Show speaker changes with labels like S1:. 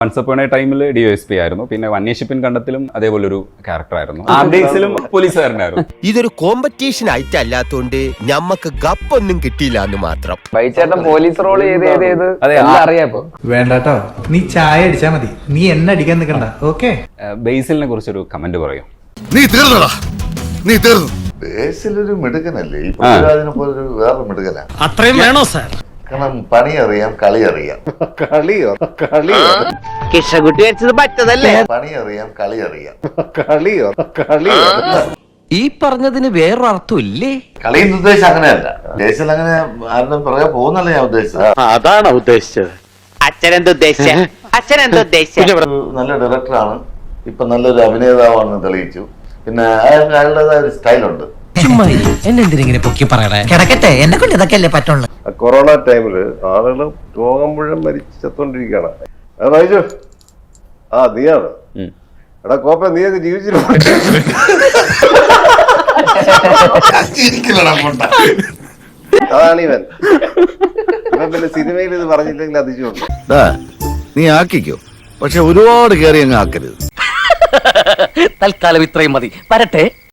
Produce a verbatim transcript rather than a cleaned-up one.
S1: Once upon a ടൈമിൽ D S P ആയിരുന്നു. പിന്നെ വന്യഷിപ്പിൻ കണ്ടത്തിലും അതേപോലെ ഒരു ക്യാരക്ടർ ആയിരുന്നു. ആംബേസിലും പോലീസുകാരനായിരുന്നു.
S2: ഇതൊരു കോമ്പറ്റീഷൻ ആയിട്ട് അല്ലാത്തോണ്ട് ഞമ്മക്ക് ഗപ്പൊന്നും കിട്ടിയില്ല എന്ന് മാത്രം.
S3: ബൈച്ചേട്ടൻ പോലീസ് റോൾ ചെയ്ത് ചെയ്ത് ചെയ്ത്
S1: അതെ,
S3: അറിയാപ്പോ
S4: വേണ്ടട്ടോ, നീ ചായ അടിച്ചാ മതി, നീ എന്നെ അടിക്കാൻ നിൽക്കണ്ട. ഓക്കെ,
S1: ബേസിലിനെ കുറിച്ചൊരു കമന്റ് പറയും.
S5: നീ തീർന്നടാ, നീ തീർന്നു.
S6: ബേസിലൊരു മിടുക്കനല്ലേ, ഈ പൃഥ്വിരാജിനെ പോലെ വേറെ മിടുക്കനാ.
S2: അത്രയും വേണോ സാർ?
S6: കാരണം പണി അറിയാം, കളി അറിയാം.
S5: കളിയോ കളിയോ
S3: കിഷകുട്ടി വെച്ചത് പറ്റതല്ലേ?
S6: പണി അറിയാം, കളി അറിയാം.
S5: കളിയോ കളിയോ
S7: ഈ പറഞ്ഞതിന് വേറൊരർത്ഥം ഇല്ലേ?
S6: കളിയുടെ ഉദ്ദേശം അങ്ങനെയല്ല. ബേസിൽ അങ്ങനെ ആരുടെ പുറകെ പോകുന്നല്ല ഞാൻ ഉദ്ദേശിച്ചത്.
S3: അതാണോ ഉദ്ദേശിച്ചത്? അച്ഛനെന്താ ഉദ്ദേശിച്ച അച്ഛനെന്താ ഉദ്ദേശിച്ച
S6: ഒരു നല്ല ഡയറക്ടറാണ്, ഇപ്പൊ നല്ലൊരു അഭിനേതാവാണെന്ന് തെളിയിച്ചു. പിന്നെ അയാൾക്ക് അയാളുടേതായ ഒരു സ്റ്റൈലുണ്ട്.
S7: എന്നെന്തിനെ പൊക്കി പറയണേ? കിടക്കട്ടെ, എന്നെ കൊണ്ട് ഇതൊക്കെ അല്ലേ പറ്റുള്ളൂ.
S5: കൊറോണ ടൈമില് ആളുകൾ രോഗം മുഴുവൻ മരിച്ച് ചത്തോണ്ടിരിക്കുകയാണ്. അത് വായിച്ചു. ആ നീയാണ്. എടാ കോപ്പ, നീ ഒക്കെ ജീവിച്ചിരുന്നു. അതാണ് ഇവൻ. ഇവൻ പിന്നെ സിനിമയിൽ ഇത് പറഞ്ഞില്ലെങ്കിൽ അതിശയുണ്ട്.
S8: നീ ആക്കിക്കോ, പക്ഷെ ഒരുപാട് കയറി അങ്ങ് ആക്കരുത്.
S7: തൽക്കാലം ഇത്രയും മതി. വരട്ടെ.